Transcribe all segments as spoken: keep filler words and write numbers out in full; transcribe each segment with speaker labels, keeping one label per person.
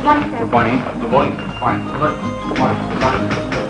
Speaker 1: Good morning, sir.
Speaker 2: Good morning. Good morning. Fine. Good. Good morning. Good morning.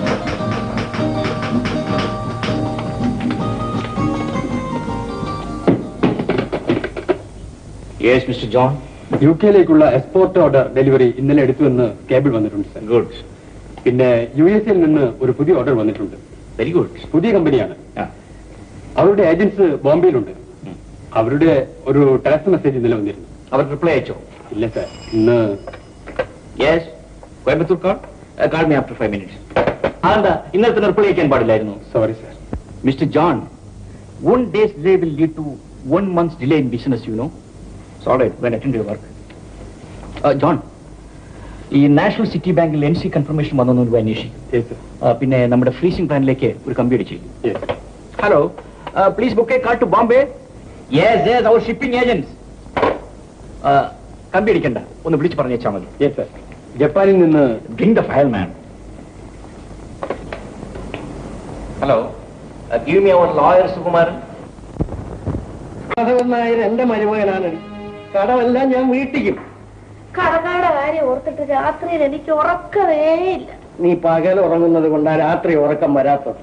Speaker 2: Yes, Mister John.
Speaker 3: U കെയിലേക്കുള്ള export order delivery ഇന്നലെ എടുത്തുവെന്ന് cable വന്നിട്ടുണ്ട് sir.
Speaker 2: Good.
Speaker 3: പിന്നെ U S എയിൽ നിന്ന് ഒരു പുതിയ ഓർഡർ വന്നിട്ടുണ്ട്.
Speaker 2: Very good.
Speaker 3: പുതിയ കമ്പനിയാണ്. അവരുടെ ഏജൻസ് ബോംബെയിലുണ്ട്. അവരുടെ ഒരു ടെക്സ്റ്റ് മെസ്സേജ് ഇന്നലെ വന്നിരുന്നു.
Speaker 2: അവർ റിപ്ലൈ അയച്ചോ?
Speaker 3: ഇല്ല സർ. ഇന്ന്
Speaker 2: yes Coimbatore call call me after five minutes. അതെന്താ ഇന്നത്തെ റിപ്ലൈ അയക്കാൻ പാടില്ലായിരുന്നു?
Speaker 3: Sorry sir.
Speaker 2: Mister John, one day's delay will lead to one month's delay in business, you know. It's all right, when attend your work. Uh, John, ഈ national city ബാങ്കിൽ N C confirmation വന്നു അന്വേഷിക്കും. പിന്നെ നമ്മുടെ freezing പ്ലാനിലേക്ക് ഒരു കമ്പി അടിച്ചു. Hello, please book a car to Bombay. Yes yes അവർ ഷിപ്പിംഗ് ഏജൻസ്. കമ്പി അടിക്കണ്ട, ഒന്ന് വിളിച്ച് പറഞ്ഞേച്ചാൽ മതി.
Speaker 3: Yes sir. ജപ്പാനിൽ നിന്ന്
Speaker 2: bring the file man. Hello, give me our lawyer Sukumaran.
Speaker 4: Nair എന്റെ മരുമകനാണ്. കടമെല്ലാം ഞാൻ വീട്ടിക്കും.
Speaker 1: കടകാടെ കാര്യം ഓർത്തിട്ട് രാത്രിയിൽ എനിക്ക് ഉറക്കമേ ഇല്ല.
Speaker 4: നീ പകൽ ഉറങ്ങുന്നത് കൊണ്ടാ രാത്രി ഉറക്കം വരാത്തത്.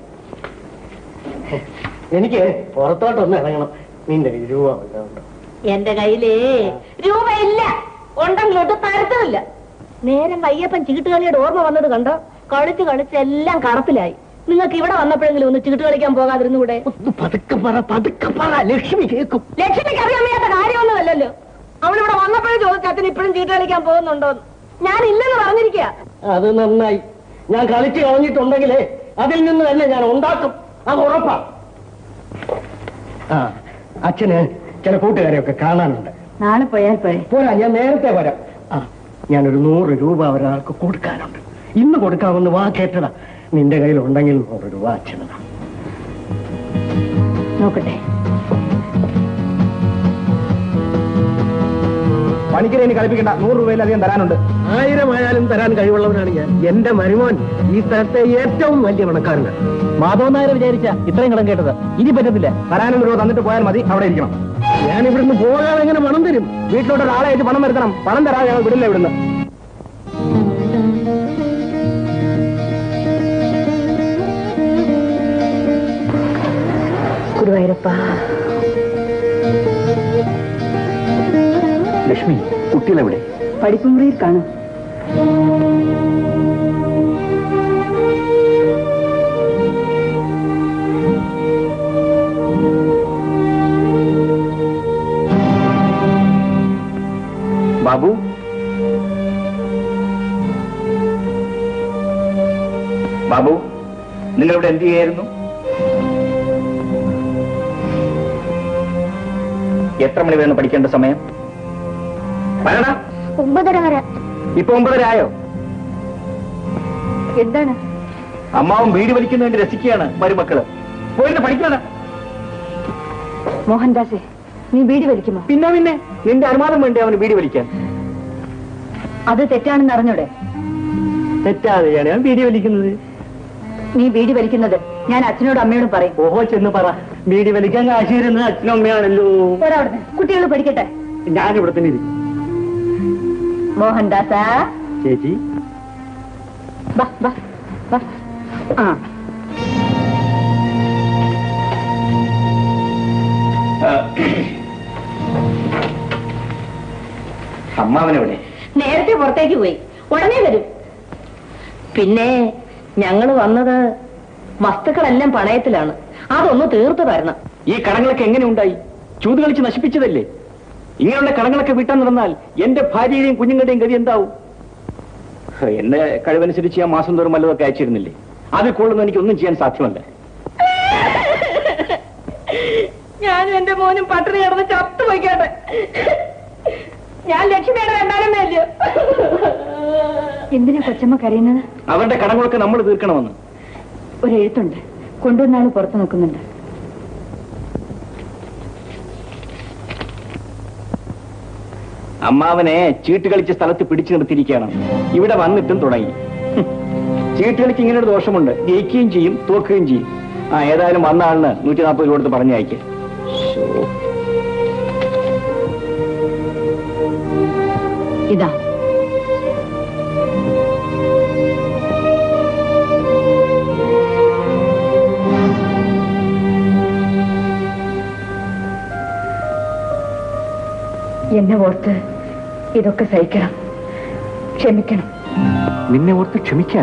Speaker 4: എനിക്ക് പുറത്തോട്ടൊന്ന് ഇറങ്ങണം. നിന്റെ രൂപ ഉണ്ടോ?
Speaker 1: എന്റെ കയ്യിലേ രൂപയില്ല. ഉണ്ടെങ്കിലോട്ട് തരത്തുമില്ല. നേരം വയ്യപ്പൻ ചീട്ടുകളിയുടെ ഓർമ്മ വന്നത് കണ്ടോ? കളിച്ച് കളിച്ച് എല്ലാം കടപ്പിലായി. നിങ്ങൾക്ക് ഇവിടെ വന്നപ്പോഴെങ്കിലും ഒന്ന് ചീട്ട് കളിക്കാൻ പോകാതിരുന്നുകൂടെ?
Speaker 4: പതുക്കെ പറ, പതുക്കെ പറ. ലക്ഷ്മി കേൾക്കും.
Speaker 1: ലക്ഷ്മിക്ക് അറിയാൻ വയ്യാത്ത കാര്യമൊന്നുമല്ലല്ലോ. അവളിവിടെ വന്നപ്പോഴും ചോദിച്ചു അച്ഛൻ ഇപ്പോഴും ചീട്ട് കളിക്കാൻ പോകുന്നുണ്ടോന്ന്. ഞാൻ ഇല്ലെന്ന് പറഞ്ഞിരിക്കുക.
Speaker 4: അത് നന്നായി. ഞാൻ കളിച്ച് കളഞ്ഞിട്ടുണ്ടെങ്കിലേ അതിൽ നിന്ന് തന്നെ ഞാൻ ഉണ്ടാക്കും. അത് ഉറപ്പാ. ആ, അച്ഛന് ചില കൂട്ടുകാരെയൊക്കെ കാണാനുണ്ട്.
Speaker 1: നാളെ പോയാൽ പോരെ?
Speaker 4: പോരാ, ഞാൻ നേരത്തെ വരാം. ആ, ഞാനൊരു നൂറ് രൂപ ഒരാൾക്ക് കൊടുക്കാനുണ്ട്. ഇന്ന് കൊടുക്കാമെന്ന് വാ കേട്ടടാ. നിന്റെ കയ്യിൽ ഉണ്ടെങ്കിൽ നൂറ് രൂപ അച്ഛനതാ.
Speaker 1: നോക്കട്ടെ.
Speaker 4: പണിക്കരെ ഇനി കളിപ്പിക്കണ്ട. നൂറ് രൂപയിലധികം തരാനുണ്ട്. ആയിരം ആയാലും തരാൻ കഴിവുള്ളവനാണ് ഞാൻ. എന്റെ മരുമോൻ ഈ സ്ഥലത്തെ ഏറ്റവും വലിയ പണക്കാരനാണ്. മാധവൻ നായർ വിചാരിച്ച ഇത്രയും കടം കേട്ടത് ഇനി പറ്റത്തില്ല. തരാനും രൂപ തന്നിട്ട് പോയാൽ മതി. അവിടെ ഇരിക്കണം. ഞാൻ ഇവിടുന്ന് പോകാതെ എങ്ങനെ പണം തരും? വീട്ടിലോട്ട് ഒരാളെ അയച്ച് പണം വരുത്തണം. പണം തരാതെ ഞങ്ങൾ വിടില്ല ഇവിടുന്ന്.
Speaker 1: ഗുരുവായൂരപ്പ.
Speaker 2: ലക്ഷ്മി, കുട്ടികളെവിടെ?
Speaker 1: പഠിപ്പുമുറിയിൽ കാണും.
Speaker 2: ബാബു, ബാബു, നിങ്ങളിവിടെ എന്ത് ചെയ്യായിരുന്നു? എത്ര മണി വരെ പഠിക്കേണ്ട സമയം? പറയടാ.
Speaker 1: ഒമ്പതര വരെ.
Speaker 2: ഇപ്പൊ ഒമ്പതര ആയോ?
Speaker 1: എന്താണ്?
Speaker 2: അമ്മാവും വീട് വലിക്കുന്ന വേണ്ടി രസിക്കുകയാണ് മരുമക്കള്. പോയിട്ട് പഠിക്കണം.
Speaker 1: മോഹൻദാസേ, നീ ബീഡി വലിക്കുമോ?
Speaker 2: പിന്നെ പിന്നെ നിന്റെ അനുമാനം വേണ്ടേ അവന് ബീഡി വലിക്കാൻ?
Speaker 1: അത് തെറ്റാണെന്ന് അറിഞ്ഞൂടെ?
Speaker 4: തെറ്റാതെയാണ് ഞാൻ ബീഡി വലിക്കുന്നത്.
Speaker 1: നീ ബീഡി വലിക്കുന്നത് ഞാൻ അച്ഛനോടും അമ്മയോടും പറയും.
Speaker 4: ഓഹോ, ചെന്ന് പറ. ബീഡി വലിക്കാൻ കാശ് തരുന്നത് അച്ഛനും അമ്മയാണല്ലോ.
Speaker 1: ഒരാവിടുന്ന് കുട്ടികൾ പഠിക്കട്ടെ.
Speaker 4: ഞാനിവിടെ തന്നെ ഇരിക്കും.
Speaker 1: മോഹൻദാസ
Speaker 4: ചേച്ചി,
Speaker 1: ബാ ബാ ബാ. ആ,
Speaker 2: അമ്മാവനെവിടെ?
Speaker 1: നേരത്തെ പുറത്തേക്ക് പോയി. ഉടനെ വരും. പിന്നെ ഞങ്ങൾ വന്നത് വസ്തുക്കളെല്ലാം പണയത്തിലാണ്. അതൊന്ന് തീർത്തു തരണം.
Speaker 2: ഈ കടങ്ങളൊക്കെ എങ്ങനെ ഉണ്ടായി? ചൂത് കളിച്ച് നശിപ്പിച്ചതല്ലേ? ഇങ്ങനെയുള്ള കടങ്ങളൊക്കെ വീട്ടാൻ നടന്നാൽ എന്റെ ഭാര്യയുടെയും കുഞ്ഞുങ്ങളുടെയും ഗതി എന്താവും? എന്റെ കഴിവനുസരിച്ച് ഞാൻ മാസം തോറും വല്ലതൊക്കെ അയച്ചിരുന്നില്ലേ? അതിൽ കൊള്ളുന്ന എനിക്കൊന്നും ചെയ്യാൻ സാധ്യമല്ല.
Speaker 1: ഞാനും എന്റെ മോനും പട്ടിണി കിടന്ന് ചത്തു വയ്ക്കട്ടെ. ഞാൻ ലക്ഷ്മിയുടെ രണ്ടാനമ്മ അല്ലയോ? എന്തിനാ കൊച്ചമ്മ കരയുന്നത്?
Speaker 2: അവരുടെ കടങ്ങളൊക്കെ നമ്മൾ തീർക്കണമെന്ന്
Speaker 1: ഒരു എഴുത്തുണ്ട്. കൊണ്ടുവന്നാള് പുറത്തു നിൽക്കുന്നുണ്ട്.
Speaker 2: അമ്മാവനെ ചീട്ട് കളിച്ച സ്ഥലത്ത് പിടിച്ചു നിർത്തിയിരിക്കുകയാണ്. ഇവിടെ വന്നിട്ടും തുടങ്ങി. ചീട്ട് കളിക്ക് ഇങ്ങനെ ഒരു ദോഷമുണ്ട്. ജയിക്കുകയും ചെയ്യും, തോക്കുകയും ചെയ്യും. ആ, ഏതായാലും വന്ന ആളിന് നൂറ്റി നാൽപ്പത് രൂപ കൊടുത്ത് പറഞ്ഞയക്ക്.
Speaker 1: ഇതാ എന്നെ ഓർത്ത് ഇതൊക്കെ സഹിക്കണം, ക്ഷമിക്കണം.
Speaker 2: നിന്നെ ഓർത്ത് ക്ഷമിക്കാൻ?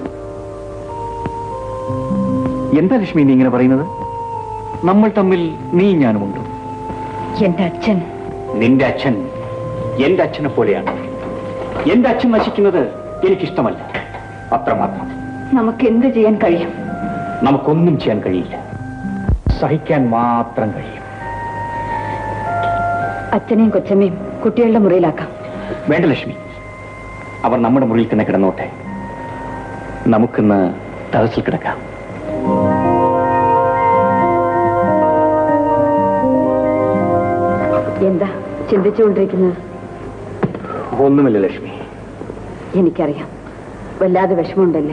Speaker 2: എന്താ ലക്ഷ്മി നീ ഇങ്ങനെ പറയുന്നത്? നമ്മൾ തമ്മിൽ നീ ഞാനുമുണ്ട്.
Speaker 1: എന്റെ അച്ഛൻ
Speaker 2: നിന്റെ അച്ഛൻ എന്റെ അച്ഛനെ പോലെയാണ്. എന്റെ അച്ഛൻ നശിക്കുന്നത് എനിക്കിഷ്ടമല്ല, അത്രമാത്രം.
Speaker 1: നമുക്ക് എന്ത് ചെയ്യാൻ കഴിയും?
Speaker 2: നമുക്കൊന്നും ചെയ്യാൻ കഴിയില്ല, സഹിക്കാൻ മാത്രം കഴിയും.
Speaker 1: അച്ഛനെയും കൊച്ചമ്മയും കുട്ടികളുടെ മുറിയിലാക്കാം.
Speaker 2: വേണ്ട ലക്ഷ്മി, അവർ നമ്മുടെ മുറിയിൽ തന്നെ കിടന്നോട്ടെ. നമുക്കിന്ന് ടെറസിൽ കിടക്കാം.
Speaker 1: എന്താ ചിന്തിച്ചുകൊണ്ടിരിക്കുന്നത്?
Speaker 2: ഒന്നുമില്ല ലക്ഷ്മി.
Speaker 1: എനിക്കറിയാം, വല്ലാതെ വിഷമമുണ്ടല്ലേ.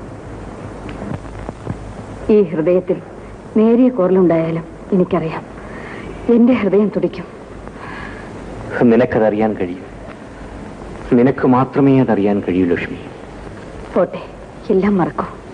Speaker 1: ഈ ഹൃദയത്തിൽ നേരിയ കോറലുണ്ടായാലും എനിക്കറിയാം, എന്റെ ഹൃദയം തുടിക്കും.
Speaker 2: നിനക്കതറിയാൻ കഴിയും, നിനക്ക് മാത്രമേ അതറിയാൻ കഴിയൂ ലക്ഷ്മി.
Speaker 1: പോട്ടെ, എല്ലാം മറക്കൂ.